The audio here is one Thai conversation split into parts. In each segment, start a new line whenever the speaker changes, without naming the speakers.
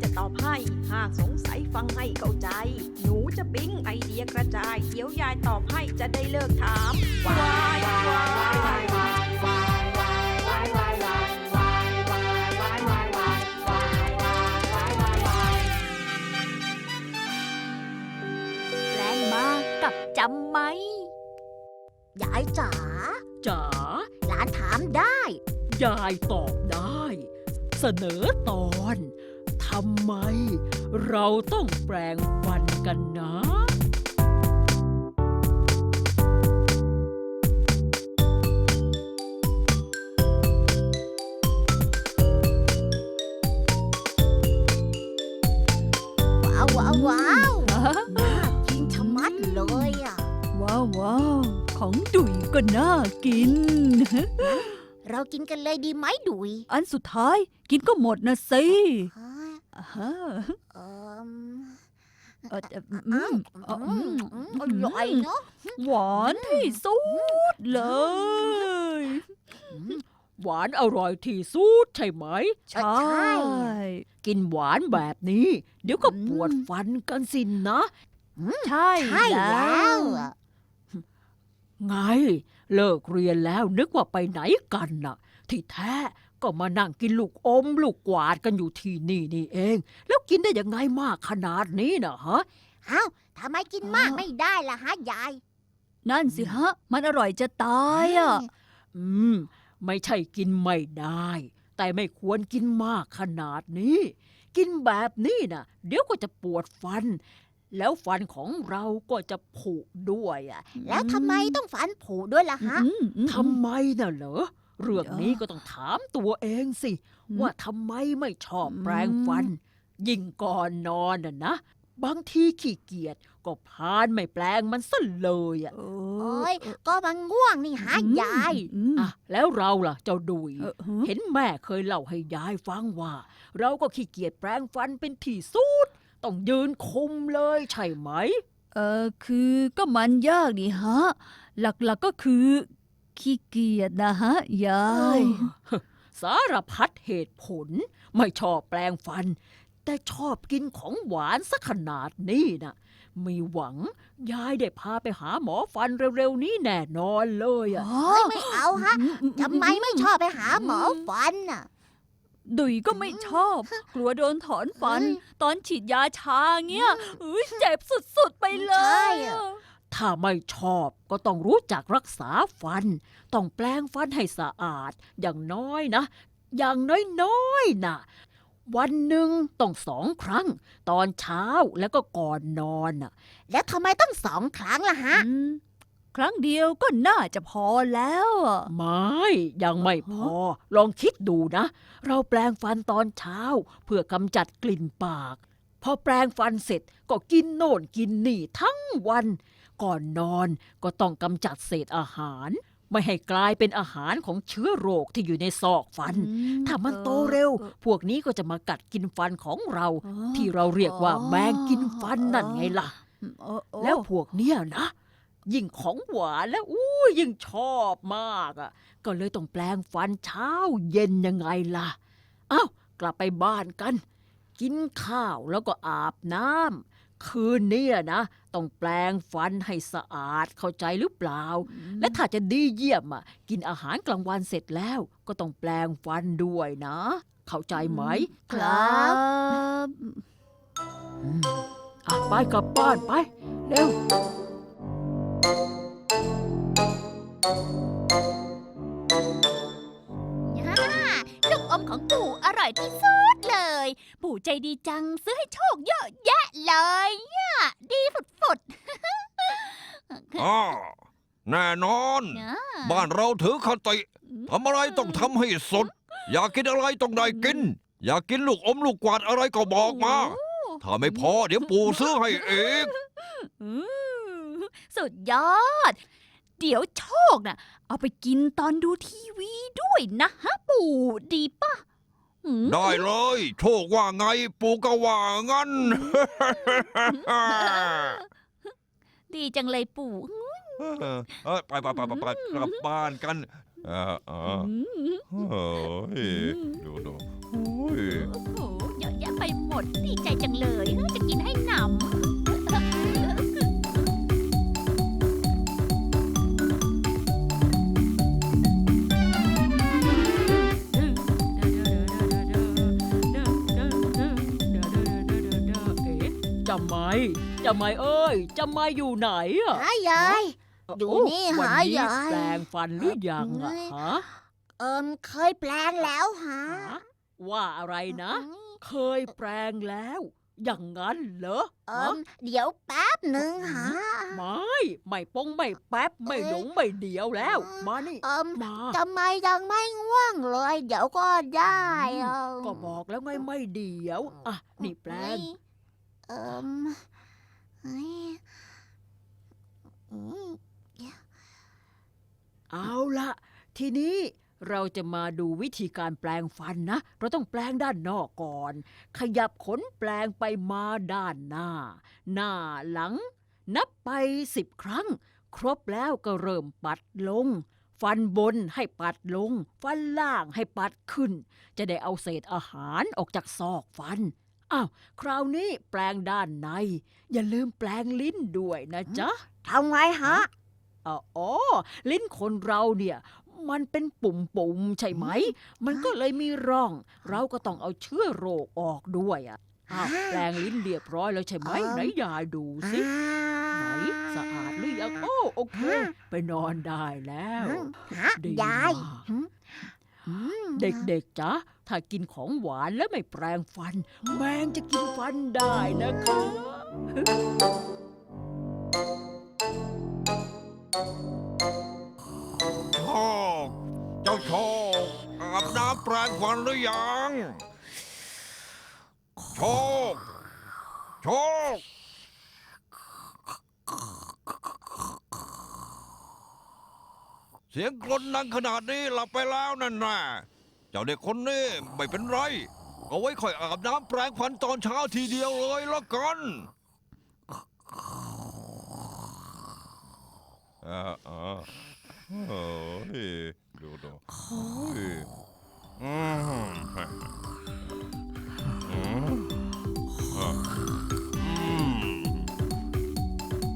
จะตอบให้หากสงสัยฟังให้เข้าใจหนูจะปิ๊งไอเดียกระจายเดี๋ยวยายตอบให้จะได้เลิกถามวายวาย
แปลงมากับจำไหมยายจ๋า
จ๋า
หลานถามได้
ยายตอบได้ เสนอตอนทำไมเราต้องแปลงฟันกันนะ
ว้าวว้าวว้าวน่ากินชะมัดเลยอ่ะ
ว้าวว้าวของดุยก็น่ากิน
เรากินกันเลยดีไหมดุย
อันสุดท้ายกินก็หมดนะสิ
ฮะ
อ่าฮะ
เอิ่ม อร่อยเนาะ
หวานที่สุดเลย
หวานอร่อยที่สุดใช่ไหม
ใช่
กินหวานแบบนี้ เดี๋ยวก็ปวดฟันกันสินนะ
ใช่
ใช่แล้วอะ
ไง เลิกเรียนแล้วนึกว่าไปไหนกันน่ะ ที่แท้ก็มานั่งกินลูกอมลูกกวาดกันอยู่ที่นี่นี่เอง แล้วกินได้ยังไงมากขนาดนี้น่ะฮะ
เอ้าทำไมกินมากไม่ได้ล่ะฮะยาย
นั่นสิฮะ มันอร่อยจะตายอ่ะ
อืม ไม่ใช่กินไม่ได้ แต่ไม่ควรกินมากขนาดนี้ กินแบบนี้น่ะ เดี๋ยวก็จะปวดฟัน แล้วฟันของเราก็จะผุด้วยอ่ะ
แล้วทำไมต้องฝันผุด้วยล่ะฮะ
ทำไมน่ะเหรอ เรื่องนี้ก็ต้องถามตัวเองสิ ว่าทำไมไม่ชอบแปรงฟัน ยิ่งก่อนนอนน่ะนะ บางทีขี้เกียจก็พลานไม่แปลงมันซะเลยอ่ะ
โอ้
โอ้ยก็มันง่วงนี่ฮะยาย
อ่ะแล้วเราล่ะเจ้าดุย
เห็
เห็
น
นแม่เคยเล่าให้ยายฟังว่า เราก็ขี้เกียจแปรงฟันเป็นที่สุด ต้องยืนคุมเลยใช่ไหม
คือก็มันยากดีฮะ หลักๆก็คือขี้เกียจนะฮะยาย
สารพัดเหตุผล ไม่ชอบแปลงฟัน แต่ชอบกินของหวานสักขนาดนี้นะมีหวังยายได้พาไปหาหมอฟันเร็วๆนี้แน่นอนเลยอ่ะ
ไม่เอาฮะทำไมไม่ชอบไปหาหมอฟันน่ะ
ดุยก็ไม่ชอบ กลัวโดนถอนฟัน ตอนฉีดยาชาเงี้ยเจ็บสุดๆไปเล
ใช่
ย
อะ
ถ้าไม่ชอบก็ต้องรู้จักรักษาฟัน ต้องแปลงฟันให้สะอาด อย่างน้อยนะ อย่างน้อยๆนะวันหนึ่งต้อง2 ครั้ง ตอนเช้าแล้วก็ก่อนนอนน่ะ
แล้วทำไมต้อง2 ครั้งล่ะฮะ
ครั้งเดียวก็น่าจะพอแล้วอะ
ไม่ยังไม่พอ ลองคิดดูนะ เราแปลงฟันตอนเช้า เพื่อกำจัดกลิ่นปาก พอแปลงฟันเสร็จก็กินโน่นกินนี่ทั้งวัน ก่อนนอนก็ต้องกำจัดเศษอาหาร ไม่ให้กลายเป็นอาหารของเชื้อโรคที่อยู่ในซอกฟัน ถ้ามันโตเร็ว พวกนี้ก็จะมากัดกินฟันของเรา ที่เราเรียกว่าแมงกินฟันนั่นไงล่ะ แล้วพวกเนี้ยนะ ยิ่งของหวานแล้วยิ่งชอบมากอ่ะ ก็เลยต้องแปลงฟันเช้าเย็นยังไงล่ะ เอ้ากลับไปบ้านกัน กินข้าวแล้วก็อาบน้ำคืนนี้นะ ต้องแปลงฟันให้สะอาดเข้าใจหรือเปล่า และถ้าจะดีเยี่ยมอ่ะ กินอาหารกลางวันเสร็จแล้ว ก็ต้องแปลงฟันด้วยนะ เข้าใจไหม
ครับ
อ่ะไปกลับบ้านไป เร็ว
ลูกอมของปู่อร่อยที่สุดเลย ปู่ใจดีจังซื้อให้โชคเยอะแยะเลยเนี่ยดีฝุด
อ่าแน่นอน
ๆ
บ้านเราถือคติทำอะไรต้องทำให้สุด อยากกินอะไรต้องได้กิน อยากกินลูกอมลูกกวาดอะไรก็บอกมา ถ้าไม่พอเดี๋ยวปู่ซื้อให้เอง
สุดยอด เดี๋ยวโชคน่ะ เอาไปกินตอนดูทีวีด้วยนะฮะปู่ดีป่ะ
ได้เลย โชคว่าไงปู่ก็ว่างั้น
ดีจังเลยปู่
ไปกลับบ้านกันเฮ้ยดูโอ้ย
โอ้โหเยอะแยะไปหมดดดีใจจังเลยจะกินให้หนำ
จำไม่จำไม่เอ้ยจำไม่อยู่ไหนอะ
หายาย อยู่นี่
วัน
หา
นี้
ยาย
แปลงฟันหรือยังอะฮะ
เคยแปลงแล้วหา
ฮะว่าอะไรนะ เคยแปลงแล้ว อย่างนั้นเหรอฮะ
เดี๋ยวแป๊บหนึ่งหา
ไม่ปงไม่แป๊บไม่หลงไม่เดียวแล้ว มานี่มา
ทำไมยังไม่ง่วงเลย เดี๋ยวก็ได้อะ
ก็บอกแล้วไงไม่เดียวอ่ะนี่แปลง
เฮ้ยอืม
เอาละทีนี้เราจะมาดูวิธีการแปลงฟันนะ เราต้องแปลงด้านนอกก่อน ขยับขนแปลงไปมาด้านหน้า หน้าหลัง นับไป10 ครั้ง ครบแล้วก็เริ่มปัดลง ฟันบนให้ปัดลง ฟันล่างให้ปัดขึ้น จะได้เอาเศษอาหารออกจากซอกฟันอ้าวคราวนี้แปลงด้านใน อย่าลืมแปลงลิ้นด้วยนะจ๊ะ
ทำไงฮะ
อ๋อ ลิ้นคนเราเนี่ย มันเป็นปุ่มๆใช่ไหม มันก็เลยมีร่อง เราก็ต้องเอาเชื้อโรคออกด้วยอ่ะอ้าวแปลงลิ้นเรียบร้อยแล้วใช่ไหม ไหนยายดูสิ ไหนสะอาดหรือยังโอเค ไปนอนได้แล้ว ดี
ยาย
มากเด็กๆจ๊ะ ถ้ากินของหวานแล้วไม่แปรงฟัน แมงจะกินฟันได้นะคะ
โชคเจ้าโชคอาบน้ำแปรงฟันหรือยังโชคโชคเสียงกรนดังขนาดนี้หลับไปแล้วนั่นน่ะเจ้าเด็กคนนี้ไม่เป็นไรเอาไว้ค่อยอาบน้ำแปรงฟันตอนเช้าทีเดียวเลยละกันโอ้ยดูโอ้ยอืมอืมอืม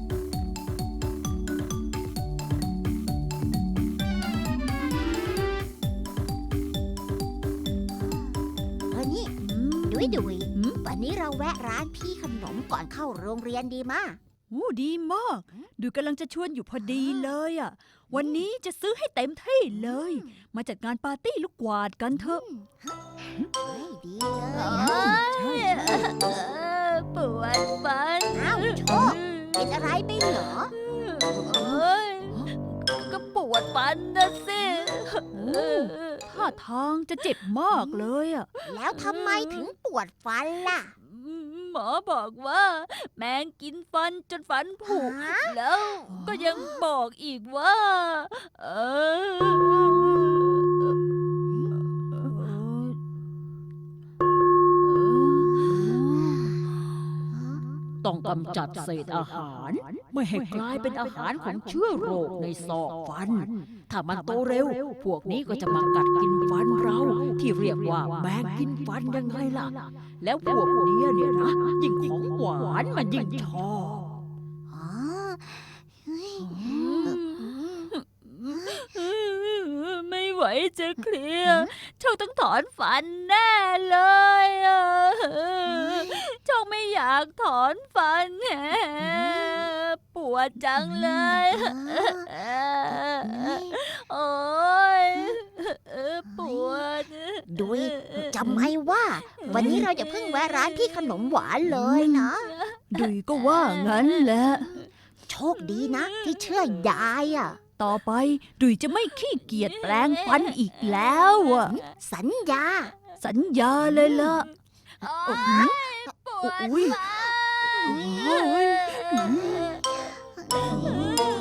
นี่ดุยวันนี้เราแวะร้านพี่ขนมก่อนเข้าโรงเรียนดีมะ
ดีมากดูกำลังจะชวนอยู่พอดีเลยอ่ะ วันนี้จะซื้อให้เต็มที่เลย มาจัดงานปาร์ตี้ลูกกวาดกันเถอะ
เฮ้ยดีเลย
โอ้ยปวดฟัน
อ้าวโชคเป็นอะไรไปเหรอ
โอ้ยก็ปวดฟันนะสิ
ท่าทางจะเจ็บมากเลยอ่ะ
แล้วทำไมถึงปวดฟันล่ะ
หมอบอกว่า แมงกินฟันจนฟันผุ
ฮะ
แล้วก็ยังบอกอีกว่า เออ
ต้องกำจัดเศษอาหาร ไม่ให้กลายเป็นอาหารของเชื้อโรคในซอกฟัน ถ้ามันโตเร็ว พวกนี้ก็จะมากัดกินฟันเรา ที่เรียกว่าแมงกินฟันยังไงล่ะ แล้วพวกเนี้ยเนี่ยนะ ยิ่งของหวานมันยิ่งชอบ
อ๋อเฮ้ย
ไม่ไหวจะเคลียร์โชคต้องถอนฟันแน่เลยอะโชคไม่อยากถอนฟันแหมปวดจังเลยโอ้ยปวด
ดุยจำไว้ว่า วันนี้เราจะเพิ่งแวะร้านพี่ขนมหวานเลยนะ
ดุยก็ว่างั้นแหละ
โชคดีนะ ที่เชื่อยายอ่ะ
ต่อไปดุยจะไม่ขี้เกียจแปลงฟันอีกแล้วอ่ะ
สัญญา
สัญญาเลยล่ะ
โอ้ยปวด
อุ๊ย
ฟัน